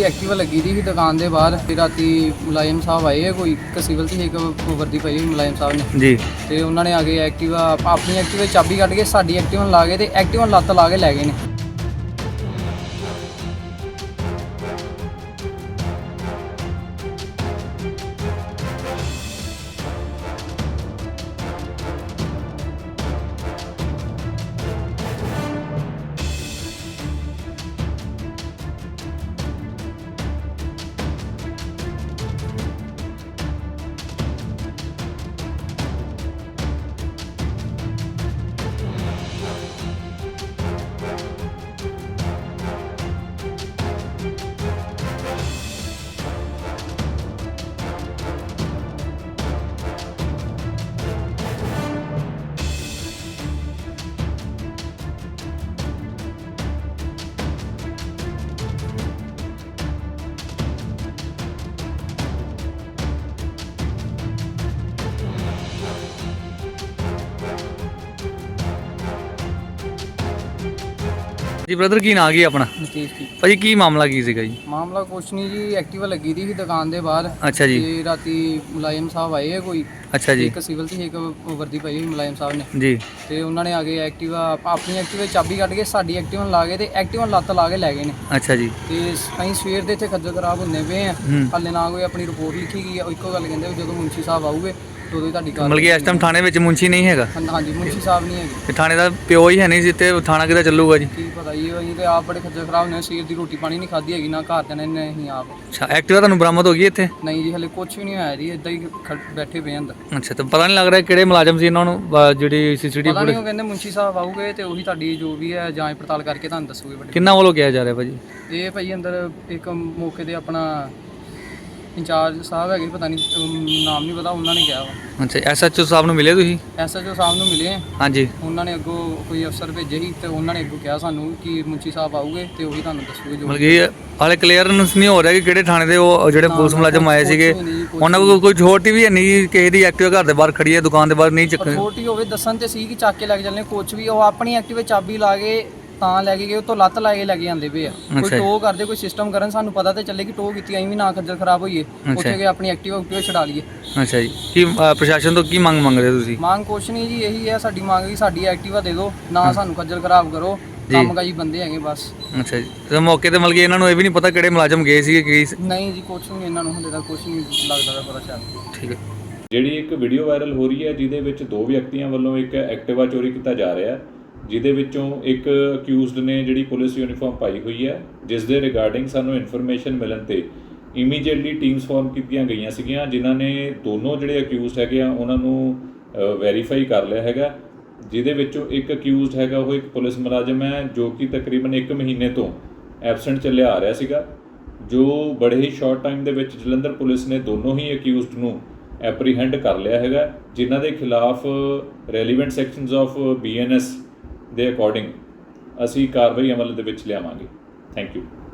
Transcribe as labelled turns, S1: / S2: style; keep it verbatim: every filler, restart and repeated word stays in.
S1: Activa ਲੱਗੀ ਦੀ ਸੀ ਦੁਕਾਨ ਦੇ ਬਾਹਰ ਤੇ ਰਾਤੀ ਮੁਲਾਜ਼ਮ ਸਾਹਿਬ ਆਏ ਕੋਈ ਇੱਕ ਸਿਵਲ ਸੀ ਇੱਕ ਵਰਦੀ ਪਾਈ ਹੋਈ ਮੁਲਾਜ਼ਮ ਸਾਹਿਬ ਨੇ
S2: ਜੀ
S1: ਤੇ ਉਹਨਾਂ ਨੇ ਆ ਕੇ ਐਕਟਿਵਾ ਆਪਣੀ ਐਕਟਿਵਾ ਚਾਬੀ ਕੱਢ ਕੇ ਸਾਡੀ ਐਕਟਿਵਾ ਨੂੰ ਲਾ ਗਏ ਤੇ ਐਕਟਿਵਾ ਨੂੰ ਲੱਤ ਲਾ ਕੇ ਲੈ ਗਏ ਨੇ।
S2: ਜੀ ਬ੍ਰਦਰ ਕੀ ਨਾਂ ਕੀ ਆਪਣਾ?
S1: ਨਤੀਜ ਕੀ
S2: ਭਾਜੀ ਕੀ ਮਾਮਲਾ ਕੀ ਸੀਗਾ ਜੀ?
S1: ਮਾਮਲਾ ਕੁਛ ਨਹੀਂ ਜੀ, ਐਕਟਿਵਾ ਲੱਗੀ ਦੀ ਸੀ ਦੁਕਾਨ ਦੇ ਬਾਹਰ।
S2: ਅੱਛਾ ਜੀ।
S1: ਤੇ ਰਾਤੀ ਮੁਲਾਜ਼ਮ ਸਾਹਿਬ ਆਏ ਕੋਈ
S2: ਅੱਛਾ ਜੀ।
S1: ਇੱਕ ਸਿਵਲ ਸੀ ਇੱਕ ਵਰਦੀ ਪਾਈ ਹੋਈ ਮੁਲਾਜ਼ਮ ਸਾਹਿਬ ਨੇ
S2: ਜੀ
S1: ਤੇ ਉਹਨਾਂ ਨੇ ਆ ਕੇ ਐਕਟਿਵਾ ਆਪਣੀ ਐਕਟਿਵਾ ਚਾਬੀ ਕੱਢ ਕੇ ਸਾਡੀ ਐਕਟਿਵਾ ਨੂੰ ਲਾ ਗਏ ਤੇ ਐਕਟਿਵਾ ਨੂੰ ਲੱਤ ਲਾ ਕੇ ਲੈ ਗਏ ਨੇ।
S2: ਅੱਛਾ ਜੀ।
S1: ਤੇ ਅਸੀਂ ਸਵੇਰ ਦੇ ਇੱਥੇ ਖੱਜਲ ਖਰਾਬ ਹੁੰਦੇ ਪਏ ਆ,
S2: ਹੂੰ।
S1: ਹਾਲੇ ਨਾ ਕੋਈ ਆਪਣੀ ਰਿਪੋਰਟ ਲਿਖੀ ਗਈ ਆ। ਇੱਕੋ ਗੱਲ ਕਹਿੰਦੇ ਵੀ ਜਦੋਂ ਮੁੰਸ਼ੀ ਸਾਹਿਬ ਆਊਗੇ ਉਦੋਂ ਹੀ ਤੁਹਾਡੀ ਗੱਲ
S2: ਮਤਲਬ ਕਿ ਇਸ ਟਾਈਮ ਥਾਣੇ ਵਿੱਚ ਮੁੰਸ਼ੀ ਨਹੀਂ ਹੈਗਾ?
S1: ਹਾਂਜੀ ਮੁੰਸ਼ੀ ਸਾਹਿਬ ਨਹੀਂ ਹੈਗੇ
S2: ਤੇ ਥਾਣੇ ਦਾ ਪਿਓ ਹੀ ਹੈ ਨਹੀਂ ਸੀ ਤੇ ਥਾਣਾ ਕਿੱਦਾਂ ਚੱਲੂਗਾ ਜੀ?
S1: ਕੀ ਪਤਾ ਜੀ, ਅਸੀਂ ਤੇ ਆਪ ਬੜੇ ਖੱਜਲ ਖਰਾਬ ਨੇ, ਸਵੇਰ ਦੀ ਰੋਟੀ ਪਾਣੀ ਨਹੀਂ ਖਾਧੀ ਹੈਗੀ ਨਾ ਘਰ ਦੇ ਨੇ ਅਸੀਂ ਆਪ।
S2: ਅੱਛਾ ਐਕਟਿਵਾ ਤੁਹਾਨੂੰ ਬਰਾਮਦ ਹੋ ਗਈ ਇੱਥੇ?
S1: ਨਹੀਂ ਜੀ ਹਲੇ ਕੁਝ ਵੀ ਨਹੀਂ ਹੋਇਆ ਜੀ, ਇਦਾਂ ਹੀ ਖੜ- ਬੈਠੇ ਪਏ ਅੰਦਰ।
S2: ਅੱਛਾ ਤਾਂ ਪਤਾ ਨਹੀਂ ਲੱਗ ਰਿਹਾ ਕਿਹੜੇ ਮੁਲਾਜ਼ਮ ਸੀ ਇਹਨਾਂ ਨੂੰ ਬ- ਜਿਹੜੀ ਸੀਸੀਟੀਵੀ
S1: ਪਤਾ ਨਹੀਂ,
S2: ਫੁਟੇਜ
S1: ਉਹ ਕਹਿੰਦੇ ਮੁੰਸ਼ੀ ਸਾਹਿਬ ਆਊਗੇ ਤੇ ਉਹੀ ਤੁਹਾਡੀ ਜੋ ਵੀ ਹੈ ਜਾਂਚ ਪੜਤਾਲ ਕਰਕੇ ਤੁਹਾਨੂੰ ਦੱਸੂਗੇ। ਵੱਡੇ
S2: ਕਿੰਨਾ ਵੱਲੋਂ ਕਿਹਾ ਜਾ ਰਿਹਾ ਭਾਜੀ?
S1: ਇਹ ਭਾਈ ਅੰਦਰ ਇੱਕ ਮੌਕੇ ਤੇ ਆਪਣਾ ਇੰਚਾਰਜ ਸਾਹਿਬ ਹੈਗੇ, ਪਤਾ ਨਹੀਂ ਨਾਮ ਨਹੀਂ ਪਤਾ, ਉਹਨਾਂ ਨੇ ਕਿਹਾ ਵਾ।
S2: ਅੱਛਾ ਐਸਐਚਓ ਸਾਹਿਬ ਨੂੰ ਮਿਲੇ ਤੁਸੀਂ?
S1: ਐਸਐਚਓ ਸਾਹਿਬ ਨੂੰ ਮਿਲੇ,
S2: ਹਾਂਜੀ।
S1: ਉਹਨਾਂ ਨੇ ਅੱਗੋਂ ਕੋਈ ਅਫਸਰ ਭੇਜੇ ਸੀ ਤੇ ਉਹਨਾਂ ਨੇ ਅੱਗੋਂ ਕਿਹਾ ਸਾਨੂੰ ਕਿ ਮੁੰਸ਼ੀ ਸਾਹਿਬ ਆਊਗੇ ਤੇ ਉਹੀ ਤੁਹਾਨੂੰ ਦੱਸੂਗੇ ਜੋ।
S2: ਮਤਲਬ ਕਿ ਹਾਲੇ ਕਲੀਅਰੈਂਸ ਨਹੀਂ ਹੋ ਰਿਹਾ ਕਿ ਕਿਹੜੇ ਥਾਣੇ ਦੇ ਉਹ ਜਿਹੜੇ
S1: ਨਾ,
S2: ਪੁਲਿਸ
S1: ਨਾ,
S2: ਮੁਲਾਜ਼ਮ ਆਏ
S1: ਕੁਛ
S2: ਸੀਗੇ
S1: ਵੀ ਨਹੀਂ, ਕੁਛ
S2: ਉਹਨਾਂ ਕੋਲ ਕੋਈ ਛੋਟੀ ਵੀ ਹੈ ਨਹੀਂ, ਕਿਸੇ ਦੀ ਐਕਟਿਵਾ ਘਰ ਦੇ ਬਾਹਰ ਖੜੀ ਹੈ, ਦੁਕਾਨ ਦੇ ਬਾਹਰ ਨਹੀਂ ਚੱਕ।
S1: ਛੋਟੀ ਹੋਵੇ ਦੱਸਣ ਤੇ ਸੀ ਕਿ ਚੱਕ ਕੇ ਲੈ ਕੇ ਚੱਲਣੇ, ਕੁਛ ਵੀ ਉਹ ਆਪਣੀ ਐਕਟਿਵਾ ਚਾਬੀ ਲਾ ਕੇ ਤਾਂ ਲੈ ਕੇ ਗਏ, ਉਹ ਤੋਂ ਲੱਤ ਲਾ ਕੇ ਲੈ ਕੇ ਜਾਂਦੇ ਪਏ ਆ। ਕੋਈ ਟੋ ਕਰਦੇ, ਕੋਈ ਸਿਸਟਮ ਕਰਨ, ਸਾਨੂੰ ਪਤਾ ਤੇ ਚੱਲੇ ਕਿ ਟੋ ਕੀਤੀ, ਅਸੀਂ ਵੀ ਨਾ ਖੱਜਲ ਖਰਾਬ ਹੋਈਏ, ਉੱਥੇ ਗਏ ਆਪਣੀ ਐਕਟਿਵਾ ਉੱਤੇ ਛਡਾ ਲਈਏ।
S2: ਅੱਛਾ ਜੀ। ਕੀ ਅ, ਪ੍ਰਸ਼ਾਸਨ ਤੋਂ ਕੀ ਮੰਗ ਮੰਗਦੇ ਤੁਸੀਂ?
S1: ਮੰਗ ਕੁਛ ਨਹੀਂ ਜੀ, ਇਹੀ ਹੈ ਸਾਡੀ ਮੰਗ ਕਿ ਸਾਡੀ ਐਕਟਿਵਾ ਦੇ ਦਿਓ, ਨਾ ਸਾਨੂੰ ਖੱਜਲ ਖਰਾਬ ਕਰੋ, ਕੰਮ ਕਾਜੀ ਬੰਦੇ ਹੈਗੇ ਬਸ।
S2: ਅੱਛਾ ਜੀ। ਤੇ ਮੌਕੇ ਤੇ ਮਤਲਬ ਕਿ ਇਹਨਾਂ ਨੂੰ ਇਹ ਵੀ ਨਹੀਂ ਪਤਾ ਕਿਹੜੇ ਮੁਲਾਜ਼ਮ ਗਏ ਸੀਗੇ ਕੀ?
S1: ਨਹੀਂ ਜੀ ਕੁਛ ਨਹੀਂ, ਇਹਨਾਂ ਨੂੰ ਹਲੇ ਤੱਕ ਕੁਛ ਨਹੀਂ ਲੱਗਦਾ ਪਤਾ ਚੱਲ।
S2: ਠੀਕ ਹੈ।
S3: ਜਿਹੜੀ ਇੱਕ ਵੀਡੀਓ ਵਾਇਰਲ ਹੋ ਰਹੀ ਹੈ ਜਿਹਦੇ ਵਿੱਚ ਦੋ ਵਿਅਕਤੀਆਂ ਵੱਲੋਂ ਇੱਕ ਐਕਟਿਵਾ ਚੋਰੀ ਕੀਤਾ ਜਾ ਰਿਹਾ, ਜਿਹਦੇ ਵਿੱਚੋਂ ਇੱਕ ਅਕਿਊਜ਼ਡ ਨੇ ਜਿਹੜੀ ਪੁਲਿਸ ਯੂਨੀਫਾਰਮ ਪਾਈ ਹੋਈ ਹੈ, ਜਿਸ ਦੇ ਰਿਗਾਰਡਿੰਗ ਸਾਨੂੰ ਇਨਫੋਰਮੇਸ਼ਨ ਮਿਲਣ ਤੇ ਇਮੀਡੀਏਟਲੀ ਟੀਮਸ ਫਾਰਮ ਕੀਤੀਆਂ ਗਈਆਂ ਸੀਗੀਆਂ, ਜਿਨ੍ਹਾਂ ਨੇ ਦੋਨੋਂ ਜਿਹੜੇ ਅਕਿਊਜ਼ਡ ਹੈਗੇ ਆ ਉਹਨਾਂ ਨੂੰ ਵੈਰੀਫਾਈ ਕਰ ਲਿਆ ਹੈਗਾ। ਜਿਹਦੇ ਵਿੱਚੋਂ ਇੱਕ ਅਕਿਊਜ਼ਡ ਹੈਗਾ ਉਹ ਇੱਕ ਪੁਲਿਸ ਮੁਲਾਜ਼ਮ ਹੈ ਜੋ ਕਿ ਤਕਰੀਬਨ ਇੱਕ ਮਹੀਨੇ ਤੋਂ ਐਬਸੈਂਟ ਚੱਲਿਆ ਆ ਰਿਹਾ ਸੀਗਾ, ਜੋ ਬੜੇ ਹੀ ਸ਼ਾਰਟ ਟਾਈਮ ਦੇ ਵਿੱਚ ਜਲੰਧਰ ਪੁਲਿਸ ਨੇ ਦੋਨੋਂ ਹੀ ਅਕਿਊਜ਼ਡ ਨੂੰ ਐਪਰੀਹੈਂਡ ਕਰ ਲਿਆ ਹੈਗਾ, ਜਿਨ੍ਹਾਂ ਦੇ ਖਿਲਾਫ relevant sections of B N S ਦੇ ਅਕੋਰਡਿੰਗ ਅਸੀਂ ਕਾਰਵਾਈ ਅਮਲ ਦੇ ਵਿੱਚ ਲਿਆਵਾਂਗੇ। Thank you.